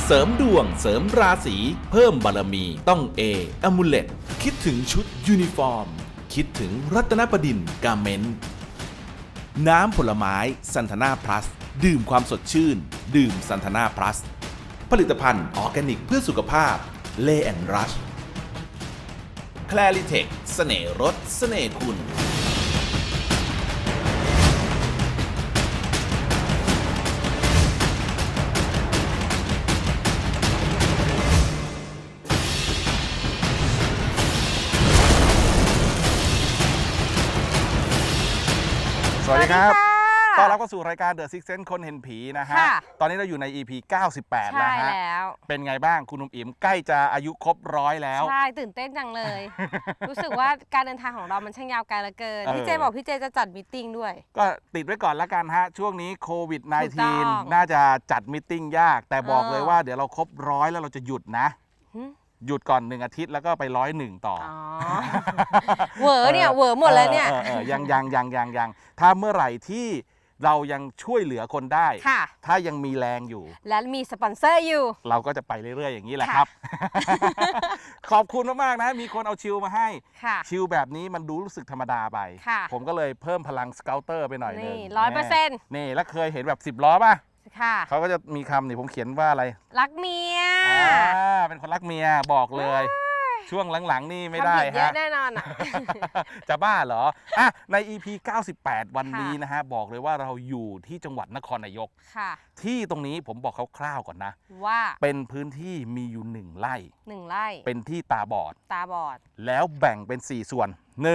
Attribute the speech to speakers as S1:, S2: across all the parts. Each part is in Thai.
S1: เสริมดวงเสริมราศีเพิ่มบารมีต้องอมูเลตคิดถึงชุดยูนิฟอร์มคิดถึงรัตนบดินทร์กาเมนต์น้ำผลไม้ซันทนาพลัสดื่มความสดชื่นดื่มซันทนาพลัสผลิตภัณฑ์ออร์แกนิกเพื่อสุขภาพเลแอนรัชแคลริเทคเสน่ห์รสเสน่ห์คุณ
S2: สวัสดีครับต้อนรับเข้าสู่รายการ The Six Sense คนเห็นผีนะฮะ ตอนนี้เราอยู่ใน EP 98 แล้วฮะเป็นไงบ้างคุณนุ่มอิ๋มใกล้จะอายุครบ100แล้ว
S3: ใช่ตื่นเต้นจังเลย รู้สึกว่าการเดินทางของเรามันช่างยาวไกลเหลือเกินพี่เจบอกพี่เจจะจัดมีตติ้งด้วย
S2: ก็ติดไว้ก่อนละกันฮะช่วงนี้โควิด -19 น่าจะจัดมีตติ้งยากแต่บอกเลยว่าเดี๋ยวเราครบ100แล้วเราจะหยุดนะหยุดก่อน1 อาทิตย์แล้วก็ไป101ต่อ
S3: เหวอเนี่ยเหวอหมดแล้วเนี่ย
S2: ยังถ้าเมื่อไหร่ที่เรายังช่วยเหลือคนได้ถ้ายังมีแรงอยู่
S3: และมีสปอนเซอร์อยู่
S2: เราก็จะไปเรื่อยๆอย่างนี้แหละครับขอบคุณมากๆนะมีคนเอาชิลมาให้ชิลแบบนี้มันดูรู้สึกธรรมดาไปผมก็เลยเพิ่มพลังสเกลเตอร์ไปหน่อยนึง
S3: 100%
S2: นี่แล้วเคยเห็นแบบ10 ล้อป่ะเขาก็จะมีคำนี่ผมเขียนว่าอะไร
S3: รักเมีย
S2: เป็นคนรักเมียบอกเลยช่วงหลังๆนี่ไม่ได้ฮะ
S3: เยอะแน่นอน
S2: จะบ้าเหรออ่ะใน EP 98 วันนี้นะฮะบอกเลยว่าเราอยู่ที่จังหวัดนครนายกที่ตรงนี้ผมบอกคร่าวๆก่อนนะ
S3: ว่า
S2: เป็นพื้นที่มีอยู่1 ไร่เป็นที่ตาบอดแล้วแบ่งเป็น4 ส่วน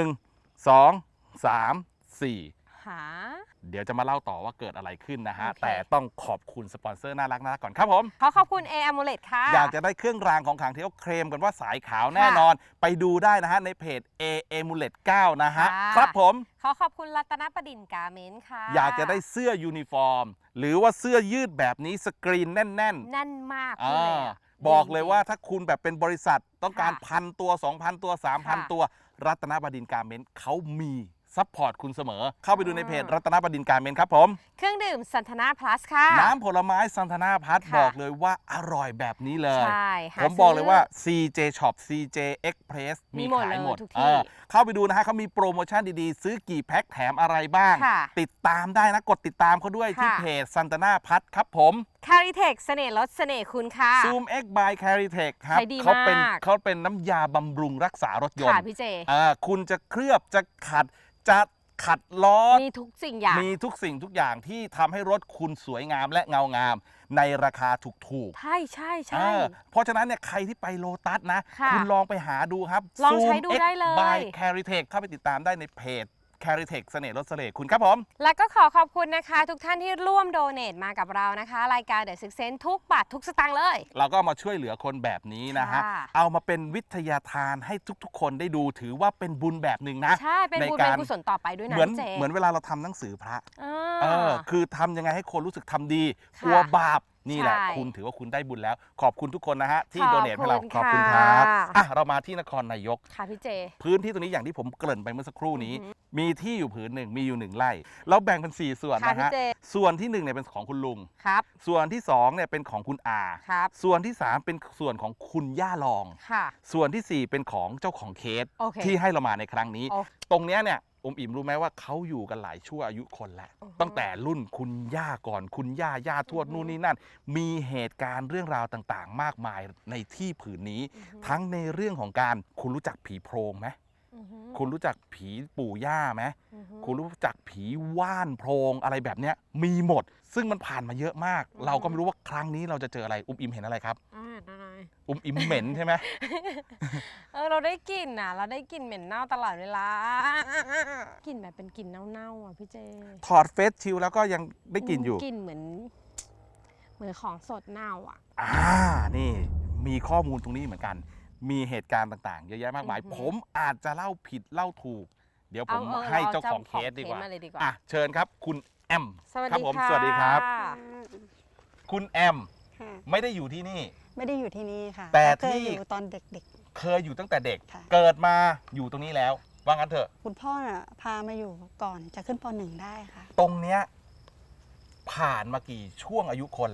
S2: 1 2 3 4เดี๋ยวจะมาเล่าต่อว่าเกิดอะไรขึ้นนะฮะแต่ต้องขอบคุณสปอนเซอร์น่ารักก่อนครับผม
S3: ขอบคุณอมูเลตค่ะ
S2: อยากจะได้เครื่องรางของขลังที่เขาเคลมกันว่าสายขาวแน่นอนไปดูได้นะฮะในเพจอมูเลต9นะฮะครับผม
S3: ขอบคุณรัตนบดินทร์กาเมนต์ค่ะ
S2: อยากจะได้เสื้อยูนิฟอร์มหรือว่าเสื้อยืดแบบนี้สกรีนแน่น
S3: มากเลย
S2: บอกเลยว่าถ้าคุณแบบเป็นบริษัทต้องการ1,000 ตัว 2,000 ตัว 3,000 ตัวรัตนบดินทร์กาเมนต์เขามีซัพพอร์ตคุณเสมอเข้าไปดูในเพจรัตนบดินทร์กาเมนต์ครับผม
S3: เครื่องดื่มซันทนาพลัสค่ะ
S2: น้ำผลไม้ซันทนาพลัสบอกเลยว่าอร่อยแบบนี้เลยผมบอกเลยว่า CJ Shop CJ Express มีขายหมดเข้าไปดูนะฮะเขามีโปรโมชั่นดีๆซื้อกี่แพ็คแถมอะไรบ้างติดตามได้นะกดติดตามเขาด้วยที่เพจซันทนาพลัสครับผม
S3: คาริเทคเสน่ห์รสเสน่ห์คุณค่ะ
S2: Zoom X by Caritech ครับเขาเป็นน้ำยาบำรุงรักษารถยนต์
S3: พี่เจ
S2: คุณจะเคลือบจะขัดล้อ
S3: มีทุกสิ่ง
S2: อย่างที่ทำให้รถคุณสวยงามและเงางามในราคาถูก
S3: ๆใช่
S2: เพราะฉะนั้นเนี่ยใครที่ไปโลตัสนะคุณลองไปหาดูครับ
S3: ลองใช้ดูได้เลย
S2: by Caritech เข้าไปติดตามได้ในเพจCaritech เสน่ห์รสเสน่ห์คุณครับผม
S3: และก็ขอบคุณนะคะทุกท่านที่ร่วมโดเนทมากับเรานะคะรายการ The Six Sense ทุกบาททุกสตางค์เลย
S2: เราก็มาช่วยเหลือคนแบบนี้นะฮะเอามาเป็นวิทยาทานให้ทุกๆคนได้ดูถือว่าเป็นบุญแบบหนึ่งนะ
S3: ใช่เป็นบุญเป็นกุศลต่อไปด้วยนะ
S2: เหมือนเวลาเราทำหนังสือพระคือทำยังไงให้คนรู้สึกทำดีกลัวบาปนี่แหละคุณถือว่าคุณได้บุญแล้วขอบคุณทุกคนนะฮะที่โดเนทให้เราขอบคุณครับเรามาที่นครนายก
S3: ค่ะพี่เจ
S2: พื้นที่ตรงนี้อย่างที่ผมเกริ่นไปเมื่อสักครู่นี้มีที่อยู่ผืนหนึ่งมีอยู่1 ไร่เราแบ่งเป็น4 ส่วนนะฮะส่วนที่1เนี่ยเป็นของคุณลุง
S3: ครับ
S2: ส่วนที่2เนี่ยเป็นของคุณอา
S3: ครับ
S2: ส่วนที่3เป็นส่วนของคุณย่ารอง
S3: ค่ะ
S2: ส่วนที่4เป็นของเจ้าของเคสที่ให้เรามาในครั้งนี้ตรงเนี้ยเนี่ยอิ่มรู้ไหมว่าเขาอยู่กันหลายชั่วอายุคนแล้วตั้งแต่รุ่นคุณย่าก่อนคุณย่าทวดนู่นนี่นั่นมีเหตุการณ์เรื่องราวต่างๆมากมายในที่ผืนนี้ทั้งในเรื่องของการคุณรู้จักผีโพรงไหมคุณรู้จักผีปู่ย่าไหมคุณรู้จักผีว่านโพรงอะไรแบบเนี้ยมีหมดซึ่งมันผ่านมาเยอะมากเราก็ไม่รู้ว่าครั้งนี้เราจะเจออะไรอิ่มเห็นอะไรครับอิ่มเหม็นใช่ไหม
S3: เราได้กลิ่นเราได้กลิ่นเหม็นเน่าตลอดเวลากลิ่นแบบเป็นกลิ่นเน่าๆพี่เจ
S2: ถอดเฟซชิลแล้วก็ยังได้กลิ่นอยู่
S3: กลิ่นเหมือนของสดเน่า
S2: นี่มีข้อมูลตรงนี้เหมือนกันมีเหตุการณ์ต่างๆเยอะแยะมากมายผมอาจจะเล่าผิดเล่าถูกเดี๋ยวผมให้เจ้าของเคสดีกว่าเชิญครับคุณแอมครับผมสวัสดีครับคุณแอมไม่ได้อยู่ที่นี่
S4: ไม่ได้อยู่ที่นี่ค่ะ
S2: แต่
S4: ที่อยู่ตอนเด็ก
S2: ๆเคยอยู่ตั้งแต่เด็กเกิดมาอยู่ตรงนี้แล้วว่างั้นเถอะ
S4: คุณพ่อพามาอยู่ก่อนจะขึ้นป.1ได้ค่ะ
S2: ตรงเนี้ยผ่านมากี่ช่วงอายุคนแล้วครับ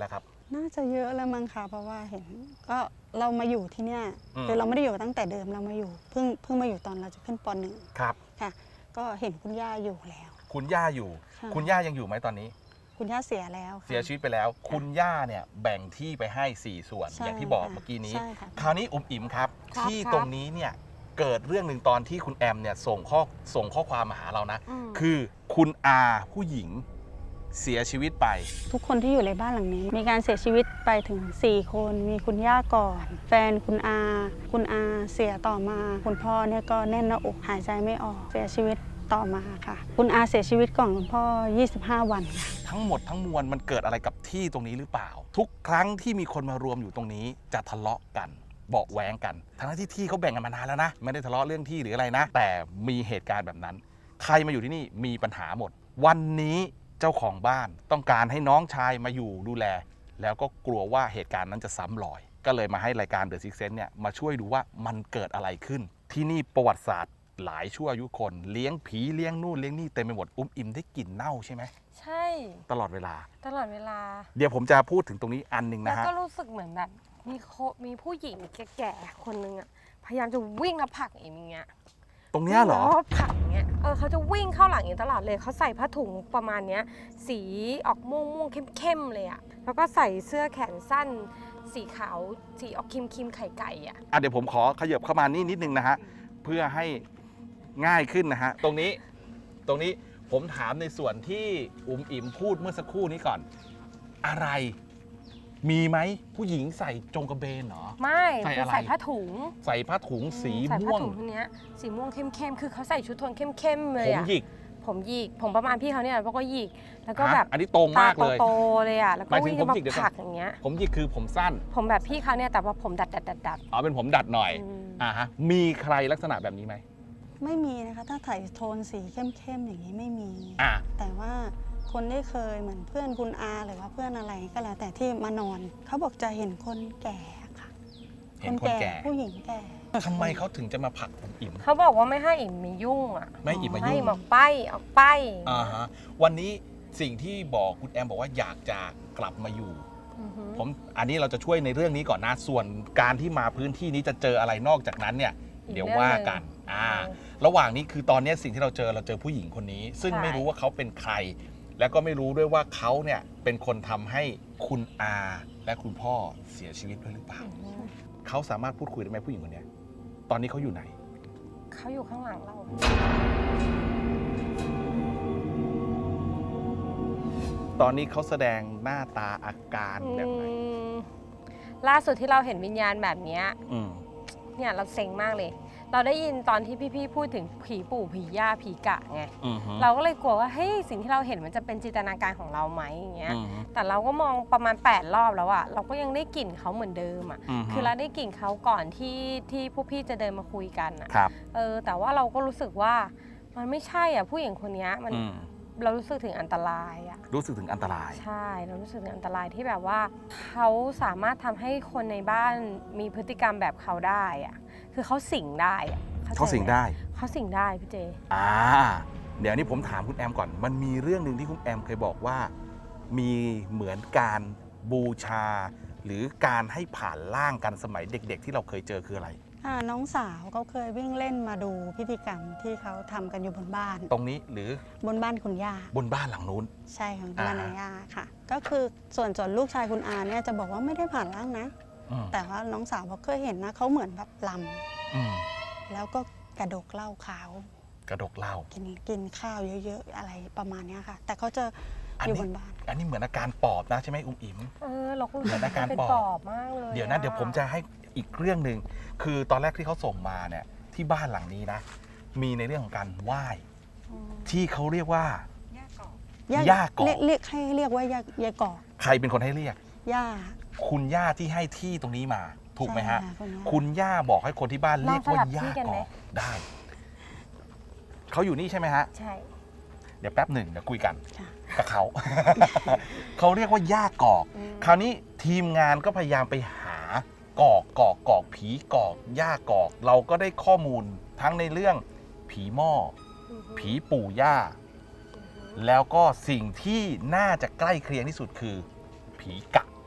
S4: น่าจะเยอะแล้วมั้งคะเพราะว่าเห็นก็เรามาอยู่ที่เนี่ย
S2: อืม
S4: คือเราไม่ได้อยู่ตั้งแต่เดิมเรามาอยู่เพิ่งมาอยู่ตอนเราจะขึ้นป .1
S2: ครับ
S4: ค่ะ ก็เห็นคุณย่าอยู่แล้ว
S2: คุณย่าอยู่
S4: ใช่
S2: คุณย่ายังอยู่ไหมตอนนี้
S4: คุณย่าเสียแล้วค่ะ
S2: เสียชีวิตไปแล้ว คุณย่าเนี่ยแบ่งที่ไปให้ 4 ส่วน
S4: ใช่
S2: อย่างที่บอก
S4: ค่ะ
S2: เมื่อกี้นี้
S4: ใช่ค่ะ
S2: คราวนี้อุ๋มอิ๋มครับ
S3: ครับ
S2: ที่
S3: ครับ
S2: ตรงนี้เนี่ยเกิดเรื่องหนึ่งตอนที่คุณแอมเนี่ยส่งข้อความมาหาเรานะ
S3: อืม
S2: คือคุณอาผู้หญิงเสียชีวิตไป
S4: ทุกคนที่อยู่ในบ้านหลังนี้ มีการเสียชีวิตไปถึง 4 คน มีคุณย่าก่อน แฟนคุณอาเสียต่อมา คุณพ่อเนี่ยก็แน่นหน้าอกหายใจไม่ออกเสียชีวิตต่อมาค่ะ คุณอาเสียชีวิตก่อนคุณพ่อ 25 วันค่ะ
S2: ทั้งหมดทั้งมวลมันเกิดอะไรกับที่ตรงนี้หรือเปล่า ทุกครั้งที่มีคนมารวมอยู่ตรงนี้จะทะเลาะกันเบาะแว้งกันทั้งที่เขาแบ่งกันมานานแล้วนะไม่ได้ทะเลาะเรื่องที่หรืออะไรนะ แต่มีเหตุการณ์แบบนั้น ใครมาอยู่ที่นี่มีปัญหาหมด วันนี้เจ้าของบ้านต้องการให้น้องชายมาอยู่ดูแล แล้วก็กลัวว่าเหตุการณ์นั้นจะซ้ำรอย ก็เลยมาให้รายการ The Six Sense เนี่ยมาช่วยดูว่ามันเกิดอะไรขึ้น ที่นี่ประวัติศาสตร์หลายชั่วอายุคนเลี้ยงผีเลี้ยงนู่นเลี้ยงนี่เต็มไปหมดอิ่มได้กลิ่นเน่าใช่ไหม
S3: ใช่
S2: ตลอดเวลา
S3: ตลอดเวลา
S2: เดี๋ยวผมจะพูดถึงตรงนี้อันหนึ่ง
S3: แล้ว
S2: นะฮะ
S3: ก็รู้สึกเหมือนแบบมีผู้หญิงแก่ๆคนนึงอะพยายามจะวิ่งแล้วผลักเอ็มอย่างเงี้ย
S2: ตรงเนี้ยเหรอ
S3: วิ่งแล้วผลักอย่างเงี้ยเขาจะวิ่งเข้าหลังเอ็มตลอดเลยเขาใส่ผ้าถุงประมาณเนี้ยสีออกม่วงๆเข้มๆเลยอะแล้วก็ใส่เสื้อแขนสั้น สีขาวสีออกครีมไข่ไก่อะ
S2: เดี๋ยวผมขอขยับเข้ามานี่นิดนึงนะฮะ เพื่อให้ง่ายขึ้นนะฮะ ตรงนี้ผมถามในส่วนที่อุ๋มอิ๋มพูดเมื่อสักครู่นี้ก่อน อะไรมีไหมผู้หญิงใส่จงกระเบนเหรอ
S3: ไม่
S2: ใส่
S3: คือ
S2: อะไร
S3: ใส่ผ้าถุง
S2: ใส่ผ้าถุงสี
S3: ใส่ผ้า
S2: ม่วง
S3: ถุงทีเนี้ยสีม่วงเข้มๆคือเขาใส่ชุดโทนเข้มๆเลย
S2: ผม
S3: อะ
S2: หยิก
S3: ผมหยิกผมประมาณพี่เขาเนี่ยแล้วก็หยิกแล้วก็แบบ
S2: อันนี้ตรงมากเลย
S3: โตๆเลยอ่ะแล้วก็
S2: หมายถึง
S3: วิ่ง
S2: ผม
S3: มา
S2: หยิกเดี๋ยว
S3: ผลักอย่างเงี้ย
S2: ผมหยิกคือผมสั้น
S3: ผมแบบพี่เขาเนี่ยแต่ว่าผมดัด
S2: เป็นผมดัดหน่อย
S3: อืม
S2: ฮะมีใครลักษณะแบบนี้ไหม
S4: ไม่มีนะคะถ้าใส่โทนสีเข้มๆอย่างนี้ไม่มี
S2: อ่ะ
S4: แต่ว่าคนได้เคยเหมือนเพื่อนคุณอาหรือว่าเพื่อนอะไรก็แล้วแต่ที่มานอน เขาบอกจะเห็นคนแก่ค่ะ
S2: เห็นคนแก่
S4: ผู้หญิงแก่
S2: ทำไมเขาถึงจะมาผลักอุ๋มอิ๋ม
S3: เขาบอกว่าไม่ให้อิ่มมียุ่งอ่ะ
S2: ไม่อิ่มมา
S3: ให้
S2: ยุ่ง
S3: ออกไปออกไป
S2: ฮะวันนี้สิ่งที่บอกคุณแอมบอกว่าอยากจะกลับมาอยู่
S3: อือหือ
S2: อันนี้เราจะช่วยในเรื่องนี้ก่อนนะ ส่วนการที่มาพื้นที่นี้จะเจออะไรนอกจากนั้นเนี่ย
S3: อีก
S2: เดี๋ยวว่ากัน
S3: เรื่องหนึ่ง
S2: ระหว่างนี้คือตอนนี้สิ่งที่เราเจอผู้หญิงคนนี้ ซึ่ง
S3: ใช่
S2: ไม่รู้ว่าเขาเป็นใคร แล้วก็ไม่รู้ด้วยว่าเขาเนี่ยเป็นคนทำให้คุณอาและคุณพ่อเสียชีวิตด้วยหรือเปล่า
S3: อือหือ
S2: เขาสามารถพูดคุยได้ไหมผู้หญิงคนเนี้ยตอนนี้เขาอยู่ไหน
S3: เขาอยู่ข้างหลังเรา
S2: ตอนนี้เขาแสดงหน้าตาอาการแบบไหน
S3: ล่าสุดที่เราเห็นวิญญาณแบบเนี้ย
S2: อืม
S3: เนี่ยเราเซ็งมากเลย เราได้ยินตอนที่พี่ๆพูดถึงผีปู่ผีย่าผีกะไง
S2: อืมฮึ
S3: เราก็เลยกลัวว่าเฮ้ยสิ่งที่เราเห็นมันจะเป็นจินตนาการของเราไหมอย่างเงี้ย
S2: อืมฮึ
S3: แต่เราก็มองประมาณ8รอบแล้วอะเราก็ยังได้กลิ่นเขาเหมือนเดิมอะ
S2: อืมฮึ
S3: คือเราได้กลิ่นเขาก่อนที่พวกพี่จะเดินมาคุยกันอะ
S2: ครับ
S3: แต่ว่าเราก็รู้สึกว่ามันไม่ใช่อะผู้หญิงคนเนี้ยมัน
S2: อืม
S3: เรารู้สึกถึงอันตรายอะ
S2: รู้สึกถึงอันตราย
S3: ใช่เรารู้สึกถึงอันตรายที่แบบว่าเขาสามารถทำให้คนในบ้านมีพฤติกรรมแบบเขาได้อะคือเขาสิงได้อะเข้ใจ
S2: เขาสิ่ง
S3: หม
S2: ได้
S3: เขาสิงได้พี่เจ
S2: เดี๋ยวนี้ผมถามคุณแอมก่อน มันมีเรื่องหนึ่งที่คุณแอมเคยบอกว่า มีเหมือนการบูชา หรือการให้ผ่านร่างกันสมัยเด็ก ๆ ที่เราเคยเจอคืออะไร
S4: น้องสาวเขาเคยวิ่งเล่นมาดูพิธีกรรมที่เขาทำกันอยู่บนบ้าน
S2: ตรงนี้หรือบ
S4: นบ้านคุณย่า
S2: บนบ้านหลังนู้น
S4: ใช่ของ
S2: อ่า
S4: บ้านนาย่าค่ะ ก็คือส่วนลูกชายคุณอาเนี่ยจะบอกว่าไม่ได้ผ่านร่างนะ
S2: อืม
S4: แต่ว่าน้องสาวบอกเคยเห็นนะเขาเหมือนแบบล
S2: อืม
S4: ำแล้วก็กระดกเหล้าขาว
S2: กระดกเหล้า
S4: กินข้าวเยอะๆอะไรประมาณเนี้ยค่ะ แต่เขาจะ
S2: อัน
S4: อยู่
S2: นี้
S4: บนบ้าน
S2: อันนี้เหมือนอาการปอบนะใช่ไหมอุ้มอิ๋ม
S3: เราก็รู้
S2: เหมื
S3: สึ
S2: อก นอาการ
S3: เป็น
S2: ปอบ
S3: ปอบมากเลย
S2: เดี๋ยวนะ เดี๋ยวผมจะให้อีกเรื่องหนึ่ง คือตอนแรกที่เขาส่งมาเนี่ย ที่บ้านหลังนี้นะ มีในเรื่องของการไหว้ ที่เขาเรียกว่า ย่ากอก
S4: เรียกให้เรียกว่ายากอก
S2: ใครเป็นคนให้เรียก
S4: ย่า
S2: คุณย่าที่ให้ที่ตรงนี้มา ถูกไหมฮะ
S4: ใช่ค่ะ
S2: คุณย่าบอกให้คนที่บ้านเรียกว่าย่า
S3: ที่กัน
S2: ก
S3: ไหม
S2: อกได้ เขาอยู่นี่ใช่ไหมฮะ
S3: ใช่
S2: เดี๋ยวแป๊บหนึ่งเดี๋ยวคุยกัน
S4: ค่ะ
S2: กับเขา เขาเรียกว่าย่ากอก คราวนี้ทีมงานก็พยายามไปหากอกผีกอกย่ากอก เราก็ได้ข้อมูลทั้งในเรื่องผีหม้อ ผีปู่ย่า แล้วก็สิ่งที่น่าจะใกล้เคียงที่สุดคือ ผีกะ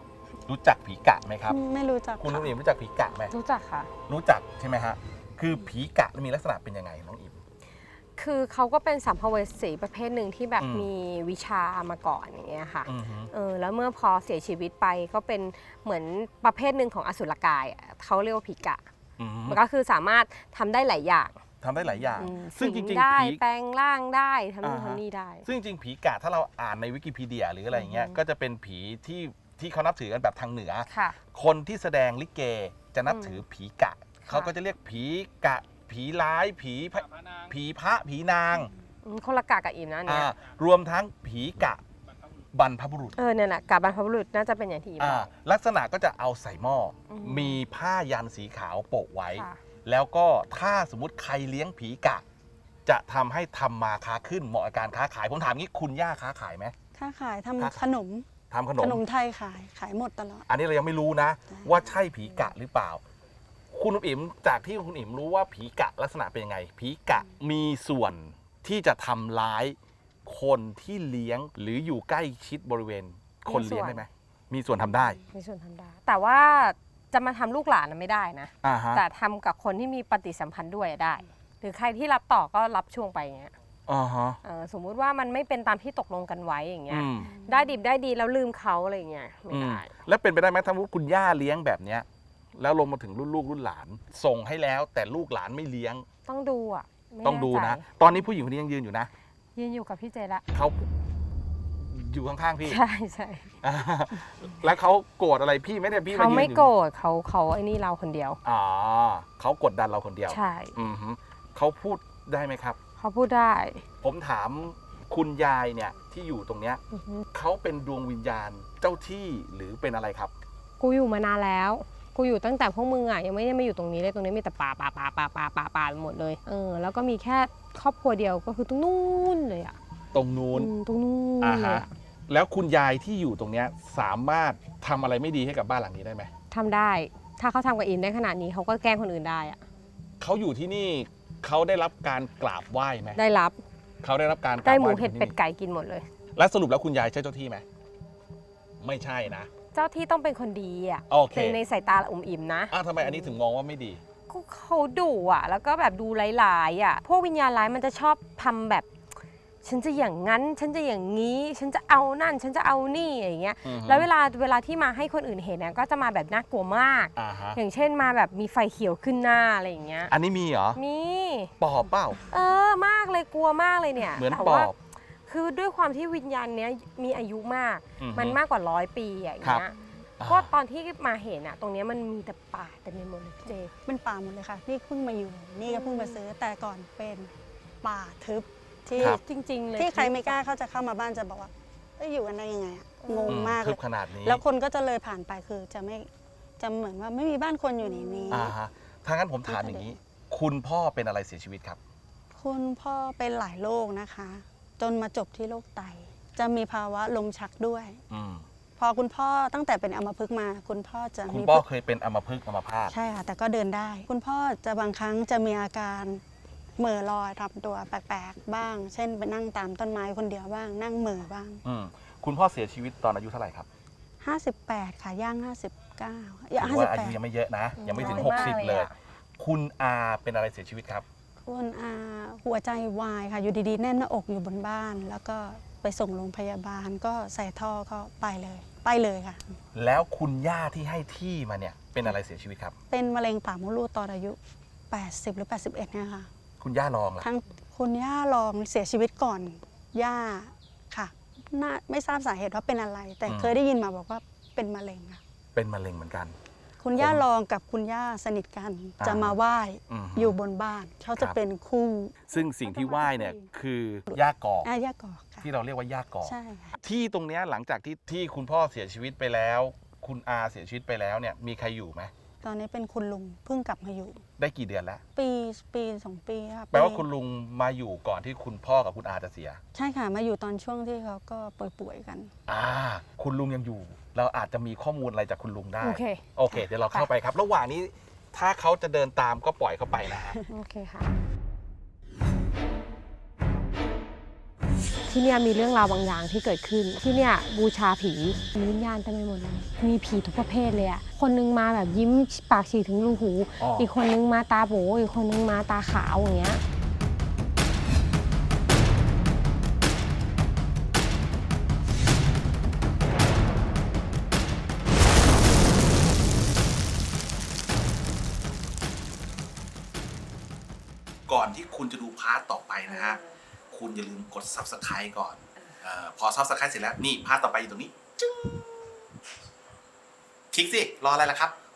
S2: รู้จักผีกะไหมครับ
S4: ไม่รู้จัก
S2: คุณน้อง
S4: ค่ะ
S2: อิมรู้จักผีกะไหม
S3: รู้จักค่ะ
S2: รู้จักใช่ไหมฮะคือผีกะมีลักษณะเป็นยังไงน้องอิม
S3: คือเขาก็เป็นสัมภเวสีประเภทหนึ่งที่แบบ
S2: อืม
S3: มีวิชามาก่อนอย่างเงี้ยค่ะ
S2: อือฮึ
S3: แล้วเมื่อพอเสียชีวิตไปก็เป็นเหมือนประเภทหนึ่งของอสุรกายอะเขาเรียกว่าผีกะ
S2: อือฮึ
S3: มันก็คือสามารถทำได้หลายอย่าง
S2: ทำได้หลายอย่าง ซึ่
S3: ซึ่
S2: ง
S3: ง
S2: จ
S3: จ
S2: ริ
S3: ริ
S2: ง
S3: ง
S2: ๆ
S3: ได้
S2: ผี
S3: แปลงร่างได้ทำนู่น
S2: อ่าฮะ
S3: ทำนี่ได้
S2: ซึ่งจริงๆผีกะถ้าเราอ่านในวิกิพีเดียหรืออะไรอย่างเงี้ยก็จะเป็นผีที่เขานับถือกันแบบทางเหนือ
S3: ค่ะ
S2: คนที่แสดงลิเกจะนับถือผีกะ เขาก็จะเรียกผีกะ ผีร้ายผีพระผีนาง
S3: คนละกะกับอิมนะเนี่ย
S2: รวมทั้งผีกะบรรพบุรุษ
S3: เนี่ยแหละกะบรรพบุรุษน่าจะเป็นอย่างที่อิมบอก
S2: ลักษณะก็จะเอาใส่หม้ออ
S3: ม
S2: มีผ้ายันสีขาวโปะไว้
S3: ค่ะ
S2: แล้วก็ถ้าสมมุติใครเลี้ยงผีกะ จะทำให้ทำมาค้าขึ้นเหมาะกับการค้าขายผมถามงี้คุณย่าค้าขายไหม
S4: ค้าขาย
S2: ค้าขาย
S4: ทำขนม
S2: ทำขน
S4: ข
S2: ม
S4: นมไทยขายหมดตลอด
S2: อันนี้เรายังไม่รู้นะ ว่าใช่ผีกะหรือเปล่า คุณอิ๋มจากที่คุณอิ๋มรู้ว่าผีกะลักษณะเป็นยังไง ผีกะมีส่วนที่จะทำร้ายคนที่เลี้ยงหรืออยู่ใกล้ชิดบริเวณคนเลี้ยงได้ไหมมีส่วนทำได้
S3: มีส่วนทำได้ แต่ว่าจะมาทำลูกหลานน่ะไม่ได้นะ
S2: อ่าฮะ
S3: แต่ทำกับคนที่มีปฏิสัมพันธ์ด้วยอะได้ หรือใครที่รับต่อก็รับช่วงไปอย่างเงี้ย
S2: อ่าฮะ
S3: สมมุติว่ามันไม่เป็นตามที่ตกลงกันไว้อย่างเงี้ย
S2: อืม
S3: ได้ดิบได้ดีแล้วลืมเขาอะไรอย่างเงี้ยไม่ได้
S2: แล้วเป็นไปได้ไหมถ้าว่าคุณย่าเลี้ยงแบบเนี้ยแล้วลงมาถึงรุ่นลูกรุ่นหลาน ส่งให้แล้วแต่ลูกหลานไม่เลี้ยง
S3: ต้องดูอ่ะไม่
S2: ต้องดูนะ
S3: แใจ
S2: ตอนนี้ผู้หญิงคนนี้ยังยืนอยู่นะ
S3: ยืนอยู่กับพี่เจละ
S2: เขาอยู่ข้างๆพี่
S3: ใช่ใช่
S2: อ่าแล้วเขาโกรธอะไรพี่ไหมเนี่ยพี่
S3: เขา
S2: ยืน
S3: ไม่
S2: อยู่
S3: โกรธเขาไอ้นี่เราคนเดียว
S2: อ๋อเขากดดันเราคนเดียว
S3: ใช่
S2: อือฮึเขาพูดได้ไหมครับ
S3: เขาพูดได้
S2: ผมถามคุณยายเนี่ยที่อยู่ตรงเนี้ย
S3: อือฮึ
S2: เขาเป็นดวงวิญญาณเจ้าที่หรือเป็นอะไรครับ
S3: กูอยู่มานานแล้ว กูอยู่ตั้งแต่พวกมึงอ่ะยังไม่ได้มาอยู่ตรงนี้เลยตรงนี้มีแต่ป่าไปหมดเลยแล้วก็มีแค่ครอบครัวเดียวก็คือตรงนู้นเลยอ่ะ
S2: ตรงนู้น
S3: ตรงนู้น
S2: อ่า
S3: เลย
S2: ฮะ
S3: อะ
S2: แล้วคุณยายที่อยู่ตรงเนี้ยสามารถทำอะไรไม่ดีให้กับบ้านหลังนี้ได้ไหม
S3: ทำได้ ถ้าเขาทำกับอินได้ขนาดนี้เขาก็แกล้งคนอื่นได้อ่ะ
S2: เขาอยู่ที่นี่เขาได้รับการกราบไหว้ไหม
S3: ได้รับ
S2: เขาได้รับการกราบ
S3: ได้
S2: ไห
S3: ห
S2: ว้
S3: มูเห็ด
S2: ที่
S3: เป็ด
S2: นี่
S3: ไก่กินหมดเลย
S2: และสรุปแล้วคุณยายใช่เจ้าที่ไหมไม่ใช่นะ
S3: เจ้าที่ต้องเป็นคนดีอ่ะ
S2: โอเค
S3: ในสายตาอุ่มอิ่มนะ
S2: ทำไมอันนี้ถึงมองว่าไม่ดี
S3: ก็เขาดุอ่ะ แล้วก็แบบดูร้ายๆอ่ะ พวกวิญญาณร้ายมันจะชอบทำแบบ ฉันจะอย่างนั้น ฉันจะอย่างนี้ ฉันจะเอานั่น ฉันจะเอานี่อย่างเงี้ย
S2: อือฮึ
S3: แล้วเวลาที่มาให้คนอื่นเห็นเนี่ยก็จะมาแบบน่ากลัวมาก
S2: อ่าฮะ
S3: อย่างเช่นมาแบบมีไฟเขียวขึ้นหน้าอะไรอย่างเงี้ย
S2: อันนี้มีเหรอ
S3: มี
S2: ปอบเปล่า
S3: มากเลยกลัวมากเลยเนี่ย
S2: เหมือน
S3: แต่
S2: ป
S3: ว่า
S2: อบ
S3: คือด้วยความที่วิญญาณเนี้ยมีอายุมาก
S2: อือฮึ
S3: มันมากกว่า100 ปีอะอย่าง
S2: ครับ
S3: เงี้ย
S2: อ่า
S3: ก็ตอนที่มาเห็นอะตรงเนี้ยมันมีแต่ป่าแต่ในหมดเลยพี่เจ
S4: เป็นป่าหมดเลยค่ะ นี่เพิ่งมาอยู่ นี่ก็เพิ่งมาซื้อ แต่ก่อนเป็นป่าทึบที่
S2: ครับ
S3: จริง ๆ เลย
S4: ที่ใครไม่กล้าเขาจะเข้ามาบ้านจะบอกว่าเอ้ยอยู่กันได้ยังไงอะงงมาก
S2: ทึ
S4: เล
S2: บ
S4: ย
S2: ขนาดนี้
S4: แล้วคนก็จะเลยผ่านไปคือจะเหมือนว่าไม่มีบ้านคนอยู่ในนี้
S2: อ่าฮะถ้างั้นผมถามอย่างนี้ คุณพ่อเป็นอะไรเสียชีวิตครับ
S4: คุณพ่อเป็นหลายโรคนะคะ จนมาจบที่โรคไต จะมีภาวะลมชักด้วย
S2: อืม
S4: พอคุณพ่อตั้งแต่เป็นอัมพฤกษ์มา คุณพ่อจะ
S2: คุณ
S4: มี
S2: พ่อเคยเป็นอัมพฤกษ์อัมพาต
S4: ใช่ค่ะ แต่ก็เดินได้ คุณพ่อจะบางครั้งจะมีอาการเหม่อลอยทำตัวแปลกๆบ้าง เช่นไปนั่งตามต้นไม้คนเดียวบ้าง นั่งเหม่อบ้าง
S2: อืมคุณพ่อเสียชีวิตตอนอายุเท่าไหร่ครับ
S4: 58 ค่ะย่าง 59
S2: ถือว่าอายุยังไม่เยอะนะ ยังไม่ถึง
S3: น้อยมาก
S2: 60 เลย คุณอาเป็นอะไรเสียชีวิตครับ
S4: คุณอาหัวใจวายค่ะ อยู่ดีๆ แน่นหน้าอกอยู่บนบ้าน แล้วก็ไปส่งโรงพยาบาลก็ใส่ท่อก็ไปเลยค่ะ
S2: แล้วคุณย่าที่ให้ที่มาเนี่ยเป็นอะไรเสียชีวิตครับ
S4: เป็นมะเร็งปากมดลูกตอนอายุ 80 หรือ 81เนี่ยค่ะ
S2: คุณย่าลองล่ะ
S4: ทั้งคุณย่าลองเสียชีวิตก่อนย่าค่ะไม่ทราบสาเหตุว่าเป็นอะไร แต่เคยได้ยินมาบอกว่าเป็นมะเร็งค่ะ
S2: เป็นมะเร็งเหมือนกัน
S4: คุณย่าลองกับคุณย่าสนิทกัน
S2: อ่า
S4: จะมาไหว้
S2: อืม
S4: อยู่บนบ้านเขาจะ
S2: ครับ
S4: เป็นคู่
S2: ซึ่งสิ่งที่ไหว้เนี่ยคือย่ากอก
S4: ย่ากอกค่ะ
S2: ที่เราเรียกว่าย่ากอก
S4: ใช่ค่ะ
S2: ที่ตรงเนี้ยหลังจากที่คุณพ่อเสียชีวิตไปแล้ว คุณอาเสียชีวิตไปแล้วเนี่ยมีใครอยู่ไหม
S4: ตอนนี้เป็นคุณลุงเพิ่งกลับมาอยู่
S2: ได้กี่เดือนแล้ว
S4: ปี2 ปีค่ะ
S2: แปลว่าคุณลุงมาอยู่ก่อนที่คุณพ่อกับคุณอาจะเสีย
S4: ใช่ค่ะมาอยู่ตอนช่วงที่เขาก็ป่วยๆกัน
S2: คุณลุงยังอยู่ เราอาจจะมีข้อมูลอะไรจากคุณลุงได้
S3: โอเค
S2: โอเค เดี๋ยวเราเข้าไปครับ ระหว่างนี้ถ้าเขาจะเดินตามก็ปล่อยเขาไปนะฮะ
S3: โอเคค่ะที่เนี่ยมีเรื่องราวบางอย่างที่เกิดขึ้นที่เนี่ยบูชาผีมีวิญญาณเต็มไปหมดเลยมีผีทุกประเภทเลยอะคนนึงมาแบบยิ้มปากฉีกถึงรูหูอีกคนนึงมาตาโบอีกคนนึงมาตาขาวอย่างเงี้ย
S1: ก่อนที่คุณจะดูพาร์ทต่อไปนะฮะคุณอย่าลืมกด Subscribe ก่อนพอ Subscribe เสร็จแล้วนี่พาร์ทต่อไปอยู่ตรงนี้จึ๊งคลิกสิรออะไรล่ะครับ